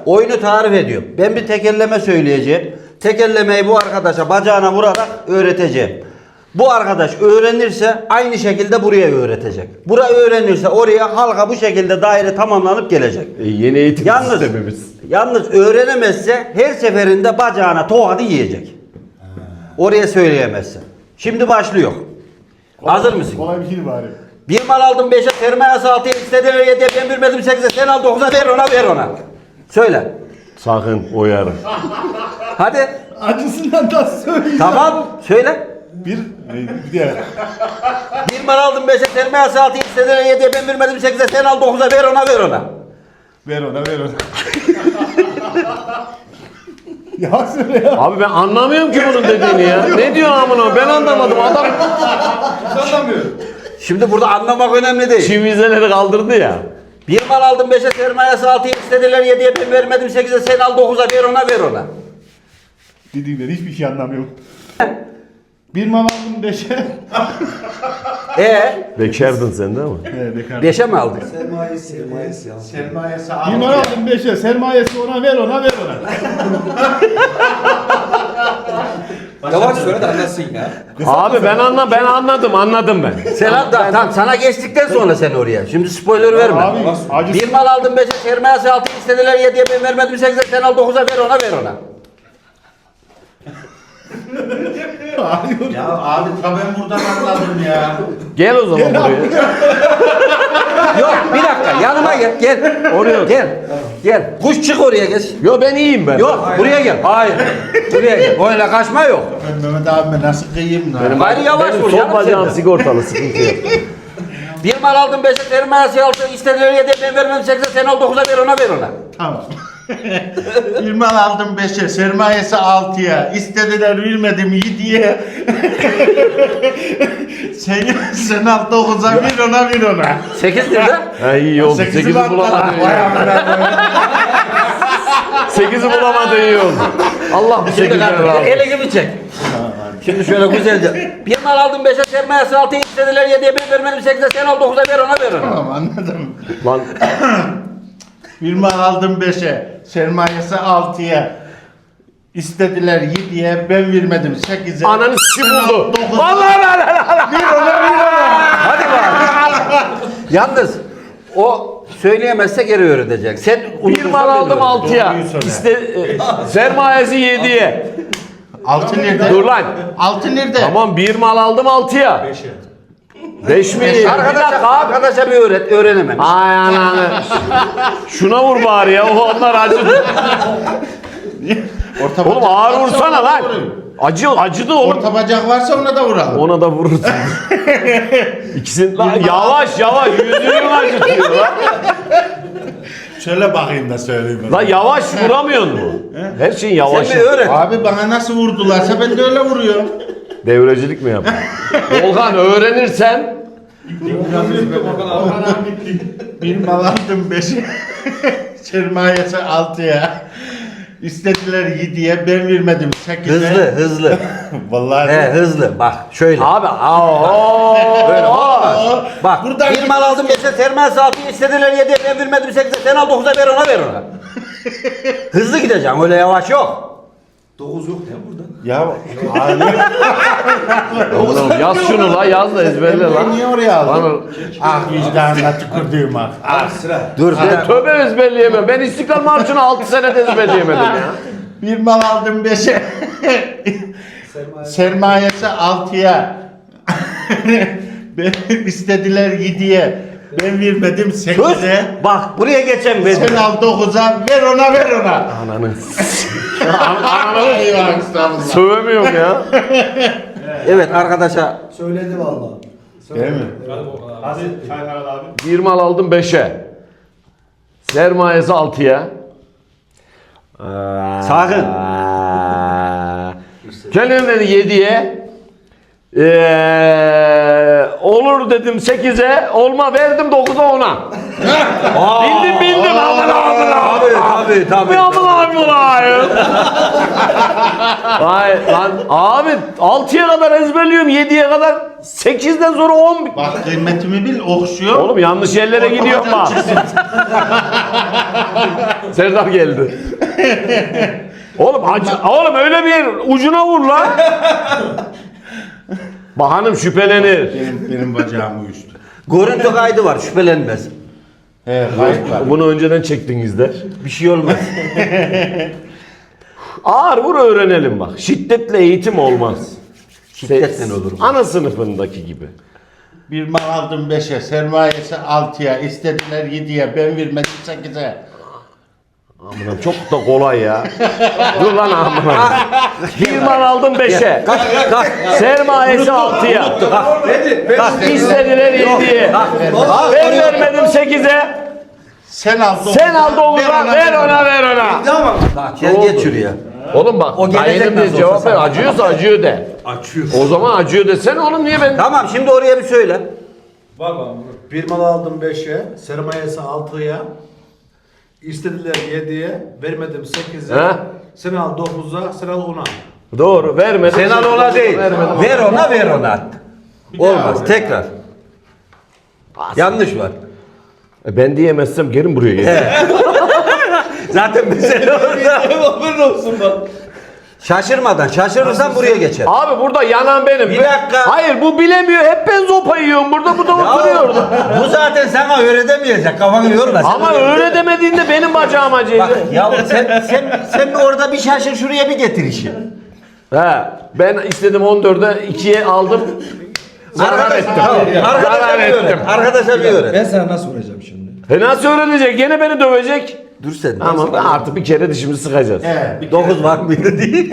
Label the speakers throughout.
Speaker 1: oyunu tarif ediyorum. Ben bir tekerleme söyleyeceğim. Tekerlemeyi bu arkadaşa bacağına vurarak öğreteceğim. Bu arkadaş öğrenirse aynı şekilde buraya öğretecek. Bura öğrenirse oraya halka bu şekilde daire tamamlanıp gelecek.
Speaker 2: Yeni eğitim sistemimiz.
Speaker 1: Yalnız öğrenemezse her seferinde bacağına tokadı yiyecek. Oraya söyleyemezse. Şimdi başlıyor. Hazır mısın?
Speaker 3: Kolay bir şey bari.
Speaker 1: Bir mal aldım 5'e, sermayesi 6'ya, istediler 7'ye, ben bilmedim 8'e, sen al 9'a, ver ona. Söyle.
Speaker 2: Sakın uyarın.
Speaker 1: Hadi.
Speaker 3: Acısından da söyleyeceğim.
Speaker 1: Tamam. Söyle.
Speaker 3: Bir diğer.
Speaker 1: Bir mal aldım 5'e, sermayesi 6'ya, istediler 7'ye, ben bilmedim 8'e, sen al 9'a, ver ona.
Speaker 3: Ver ona. Ya söyle ya.
Speaker 2: Abi ben anlamıyorum ki bunun dediğini ya. Ne diyor amına? Ben anlamadım. Adam
Speaker 1: Şimdi burada anlamak önemli değil.
Speaker 2: çivizeleri kaldırdı ya.
Speaker 1: Bir mal aldım 5'e, sermayesi 6'ya, istediler 7'ye, ben vermedim 8'e, sen al 9'a, ver ona.
Speaker 3: Dediğinden hiçbir şey anlamıyorum. Bir mal aldım 5'e.
Speaker 2: Bekardın sen değil mi?
Speaker 3: Bekar.
Speaker 1: 5'e mi aldık?
Speaker 4: Sermayesi
Speaker 3: Bir mal aldım 5'e. Sermayesi ona, ver ona.
Speaker 4: Yavaş söyle de anlasın ya.
Speaker 2: Abi ben anladım ben.
Speaker 1: Sen al, tamam sana geçtikten sonra sen oraya. Şimdi spoiler verme.
Speaker 3: Abi acısı.
Speaker 1: Bir mal aldım 5'e, sermayesi 6'ya, istediler 7'ye, ben vermedim 8'e, sen al 9'a, ver ona.
Speaker 4: Ya abi ta ben buradan anladım ya.
Speaker 2: Gel o zaman buraya.
Speaker 1: Yok bir dakika yanıma gel.
Speaker 2: Oraya
Speaker 1: Gel. Kuş çık oraya geç.
Speaker 2: Yo ben iyiyim ben.
Speaker 1: Yok buraya gel. Hayır. Buraya gel. Öyle kaçma yok.
Speaker 4: Ben Mehmet abime nasıl kıyayım lan?
Speaker 2: Benim,
Speaker 1: Bari yavaş
Speaker 2: benim
Speaker 1: vur
Speaker 2: sol
Speaker 1: canım
Speaker 2: bacağım
Speaker 1: senden.
Speaker 2: sigortalı, sıkıntı yok.
Speaker 1: Bir mal aldım 5'e, sermayesi 6'ya, istediler 7'ye, ben vermedim 8'e, sen al 9'a, ver ona.
Speaker 4: Tamam. Bir mal aldım 5'e, sermayesi 6'ya, istediler vermedim 7'ye. sen al 9'a, ver ona.
Speaker 1: 8 lirde.
Speaker 2: Ha iyi oldu.
Speaker 4: 8'i
Speaker 2: 8'i bulamadın.
Speaker 4: Vay amına.
Speaker 2: 8'i bulamadın iyi oldu. Allah bu
Speaker 1: Şimdi
Speaker 2: 8'leri razı olsun.
Speaker 1: ele gibi çek. Şimdi şöyle güzelce. Bir mal aldım 5'e, sermayesi 6'ya, istediler 7'ye, ben vermedim 8'e, sen al 9'a, ver ona.
Speaker 4: Tamam anladım.
Speaker 2: Lan
Speaker 4: Bir mal aldım 5'e, sermayesi 6'ya, istediler 7'ye, ben vermedim 8'e.
Speaker 2: ananı s*** buldu.
Speaker 4: Dokuz.
Speaker 2: Allah.
Speaker 1: Hadi bak. Yalnız o söyleyemezse geri öğretecek. Sen
Speaker 2: Bir mal aldım 6'ya. Sermayesi 7'ye.
Speaker 4: 6 nerede?
Speaker 2: Dur lan.
Speaker 4: 6 nerede?
Speaker 2: Tamam bir mal aldım 6'ya. 5 mi?
Speaker 1: Arkadaşa bir öğrenemem.
Speaker 2: Ay ananı. Şuna vur bari ya. Onlar acıdı. Oğlum ağır vursana lan. Acıdı oğlum.
Speaker 4: Orta bacak varsa ona da vuralım.
Speaker 2: Ona da vurursun. İkisini lan yavaş yüzünü acıtıyor lan.
Speaker 4: Şöyle bakayım da söyleyeyim.
Speaker 2: Lan yavaş vuramıyor mu? Her şeyin yavaş.
Speaker 1: Sen bir öğret.
Speaker 4: Abi bana nasıl vurdularsa ben de öyle vuruyorum.
Speaker 2: Devrecilik mi yapıyorsun? Volkan öğrenirsen
Speaker 4: Bir mal aldım 5'e, sermayesi 6'ya, istediler 7'ye, ben vermedim 8'e.
Speaker 1: Hızlı.
Speaker 4: Vallahi.
Speaker 1: Hızlı. Bak şöyle.
Speaker 2: abi
Speaker 1: Böyle olmaz. Bak
Speaker 4: Buradan
Speaker 1: bir mal aldım 5'e, sermayesi 6'ya, istediler 7'ye, ben vermedim 8'e, sen al 9'a, ver ona. Hızlı gideceğim, öyle yavaş yok.
Speaker 4: 9 yok ya burada. Ya abi.
Speaker 2: oğlum yaz şunu la yaz da ezberle
Speaker 4: Ben
Speaker 2: lan.
Speaker 4: niye oraya aldım?
Speaker 2: Lan
Speaker 4: Ah vicdanına tükürdüğüm ah. Ah.
Speaker 1: Dur.
Speaker 2: ben tövbe ezberleyemem. Ben İstiklal Marşı'nı 6 senede ezberleyemedim ya.
Speaker 4: Bir mal aldım 5'e, sermayesi 6'ya, ben istediler 7'ye, ben vermedim
Speaker 1: Sus.
Speaker 4: 8'e.
Speaker 1: Bak buraya geçen
Speaker 4: Sen al 9'a, ver ona.
Speaker 2: Ananı.
Speaker 4: Eyvah estağfurullah.
Speaker 2: Sövemiyorum ya.
Speaker 1: Evet arkadaşa
Speaker 5: Söyledi vallahi.
Speaker 4: Değil mi?
Speaker 3: Hadi Çaykar abi.
Speaker 2: Bir mal aldım 5'e. Sermayesi 6'ya.
Speaker 1: sakın.
Speaker 2: Kendim dedi 7'ye. Olur dedim 8'e. Olma verdim 9'a ona. Bildim.
Speaker 1: Tabii.
Speaker 2: Vay lan abi 6'ya kadar ezberliyorum 7'ye kadar 8'den sonra 10.
Speaker 4: Bak kıymetimi bil okşuyor.
Speaker 2: Oğlum yanlış yerlere gidiyorum bak. Serdar geldi. Oğlum öyle bir ucuna vur lan. Bak hanım şüphelenir.
Speaker 4: Benim bacağım uyuştu.
Speaker 1: Görüntü kaydı var, şüphelenmez.
Speaker 4: He kayıt var.
Speaker 2: Bunu önceden çektinizler.
Speaker 1: Bir şey olmaz.
Speaker 2: Ağır vur öğrenelim bak. Şiddetle eğitim olmaz.
Speaker 1: Şiddetle olur.
Speaker 2: Ana sınıfındaki gibi.
Speaker 4: Bir mal aldım 5'e, sermayesi 6'ya, istediler 7'ye, ben vermedim 8'e.
Speaker 2: Amına çok da kolay ya. Dur lan amına. Bir mal aldım 5'e. Sermayesi 6'ya. İstediler 7'ye. Ben vermedim 8'e.
Speaker 4: Sen al.
Speaker 2: Sen al Oğuz'a. Ver ona.
Speaker 1: Bak gel geç şuraya.
Speaker 2: Oğlum bak.
Speaker 1: O gelecek
Speaker 2: Dayının
Speaker 1: nasıl
Speaker 2: bir cevap
Speaker 1: olsa
Speaker 2: ver.
Speaker 1: sen.
Speaker 2: Acıyorsa acıyor de.
Speaker 5: Açıyor.
Speaker 2: O zaman acıyor desene oğlum niye ben?
Speaker 1: Tamam şimdi oraya bir söyle.
Speaker 5: Bak bak. Bir mal aldım 5'e, sermayesi 6'ya. İstediler 7'ye, vermedim 8'e.
Speaker 2: He?
Speaker 5: Sen al 9'a, sen al 10'a.
Speaker 2: Doğru vermedim.
Speaker 1: Sen al ona değil.
Speaker 2: Vermedim.
Speaker 1: Ver ona. Olmaz. Tekrar. Yanlış var.
Speaker 2: Ben diyemezsem gelin buraya gelin.
Speaker 1: Zaten mesele orada.
Speaker 5: Haberin olsun bak.
Speaker 1: Şaşırmadan. Şaşırırsan buraya geçer.
Speaker 2: Abi burada yanan benim.
Speaker 1: Bir dakika.
Speaker 2: Hayır bu bilemiyor. Hep ben zopa yiyorum burada. Bu da oturuyor orada.
Speaker 1: Bu zaten sana öğretemeyecek. Kafanı yorma.
Speaker 2: Ama öyle demediğinde benim bacağım acıydı.
Speaker 1: Bak ya sen orada bir şaşır şuraya bir getir işi.
Speaker 2: He, ben istedim 14'e 2'ye aldım. Zarar ettim.
Speaker 1: Arkadaşa
Speaker 2: Zarar
Speaker 1: bir
Speaker 2: ettim.
Speaker 1: öğret. Arkadaşa bir öğret.
Speaker 6: Ben sana nasıl vuracağım şimdi?
Speaker 2: Nasıl öğrenecek? Gene beni dövecek.
Speaker 1: Dur sen.
Speaker 2: Ama artık bir kere dişimizi sıkacağız.
Speaker 4: He.
Speaker 1: 9 var mıydı değil.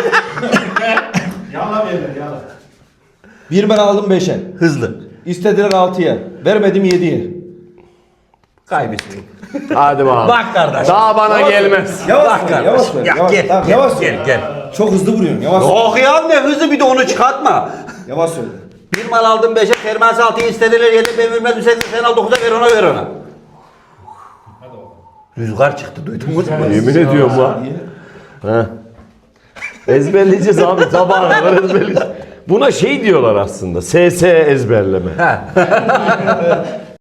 Speaker 5: Yala verin yala.
Speaker 6: Bir ben aldım 5'e.
Speaker 1: Hızlı.
Speaker 6: İstediler 6'ya. Vermedim 7'ye.
Speaker 1: Kaybettin.
Speaker 2: Hadi bakalım.
Speaker 1: Bak kardeş.
Speaker 2: Daha bana gelmez.
Speaker 6: Yavaş
Speaker 1: Bak
Speaker 6: ver, yavaş ver.
Speaker 1: Ya
Speaker 6: Yavaş,
Speaker 1: gel,
Speaker 6: tamam,
Speaker 1: gel,
Speaker 6: yavaş
Speaker 1: gel,
Speaker 6: söyle.
Speaker 1: gel.
Speaker 6: Çok hızlı vuruyorsun. Yavaş söyle.
Speaker 1: Oh ya ne hızlı bir de onu çıkartma.
Speaker 6: Yavaş söyle.
Speaker 1: Bir mal aldım 5'e, sermayesi 6'ya istediler 7, ben vermedim 8, sen al 9'a ver ona. Rüzgar çıktı duydunuz mu?
Speaker 2: Yemin ediyorum lan. Ha. Ezberleyeceğiz abi sabaha kadar ezberleyeceğiz. Buna şey diyorlar aslında. SS ezberleme.
Speaker 1: Ha.